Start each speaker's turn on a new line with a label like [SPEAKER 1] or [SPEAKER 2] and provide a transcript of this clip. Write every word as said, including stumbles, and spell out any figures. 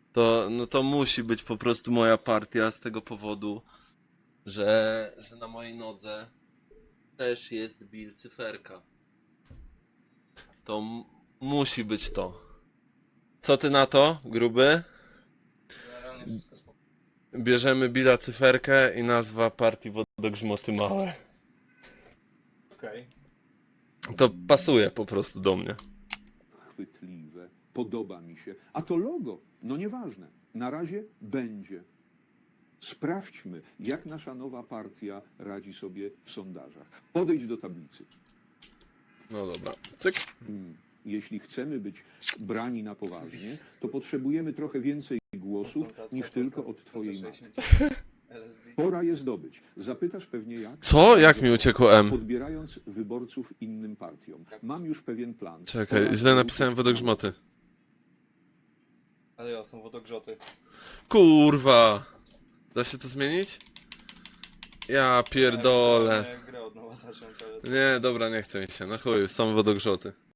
[SPEAKER 1] to, no to musi być po prostu moja partia z tego powodu, że, że na mojej nodze też jest Bill Cyferka. To m- musi być to. Co ty na to, gruby?
[SPEAKER 2] Generalnie wszystko spoko.
[SPEAKER 1] Bierzemy Billa Cyferkę i nazwa partii Wodogrzmoty Małe.
[SPEAKER 2] Okej.
[SPEAKER 1] To pasuje po prostu do mnie.
[SPEAKER 3] Chwytliwe, podoba mi się. A to logo, no nieważne. Na razie będzie. Sprawdźmy, jak nasza nowa partia radzi sobie w sondażach. Podejdź do tablicy.
[SPEAKER 1] No dobra, cyk.
[SPEAKER 3] Hmm. Jeśli chcemy być brani na poważnie, to potrzebujemy trochę więcej głosów niż tylko od twojej matki.
[SPEAKER 2] L S D.
[SPEAKER 3] Pora je zdobyć. Zapytasz pewnie jak?
[SPEAKER 1] Co? Jak mi uciekło M?
[SPEAKER 3] Podbierając wyborców innym partiom. Mam już pewien plan.
[SPEAKER 1] Czekaj,
[SPEAKER 3] Pora
[SPEAKER 1] źle napisałem
[SPEAKER 3] wrócić-
[SPEAKER 1] Wodogrzmoty.
[SPEAKER 2] Ale ja, są wodogrzoty.
[SPEAKER 1] Kurwa! Da się to zmienić? Ja pierdolę.
[SPEAKER 2] Ja grę od nowa zacząć, ale...
[SPEAKER 1] Nie, dobra, nie chce mi się. Na chuj, są wodogrzoty.